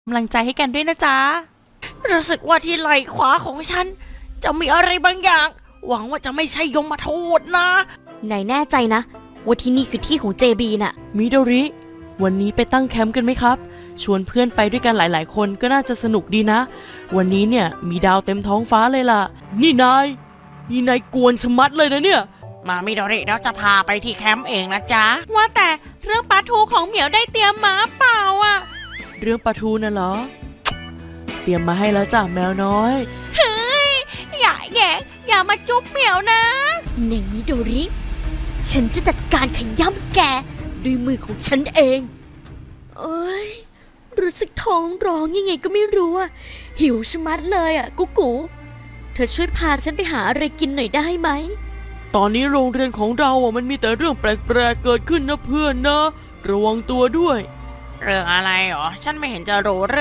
กำลังใจให้กันด้วยนะจ๊ะรู้สึกว่าที่ไหล่ขวาของฉันจะมีอะไรบางอย่างหวังว่าจะไม่ใช่ยมทูตนะนายแน่ใจนะว่าที่นี่คือที่ของ JB น่ะมิโดริวันนี้ไปตั้งแคมป์กันไหมครับชวนเพื่อนไปด้วยกันหลายๆคนก็น่าจะสนุกดีนะวันนี้เนี่ยมีดาวเต็มท้องฟ้าเลยล่ะนี่นายกวนชะมัดเลยนะเนี่ยมามิโดริเราจะพาไปที่แคมป์เองนะจ๊ะว่าแต่เรื่องปลาทูของเหมียวได้เตรียมมาเปล่าอ่ะเรื่องปลาทูน่ะเหรอเตรียมมาให้แล้วจ้ะแมวน้อยเฮ้ยอย่าแย่อย่ามาจุ๊บเหมียวนะในมิโดริฉันจะจัดการขย้ำแกด้วยมือของฉันเองเอ้ยรู้สึกท้องร้องยังไงก็ไม่รู้อะหิวชะมัดเลยอะกุ๊กูเธอช่วยพาฉันไปหาอะไรกินหน่อยได้ไหมตอนนี้โรงเรียนของเราอ่ะมันมีแต่เรื่องแปลกๆเกิดขึ้นนะเพื่อนนะระวังตัวด้วยเรื่องอะไรหรอฉันไม่เห็นจะรู้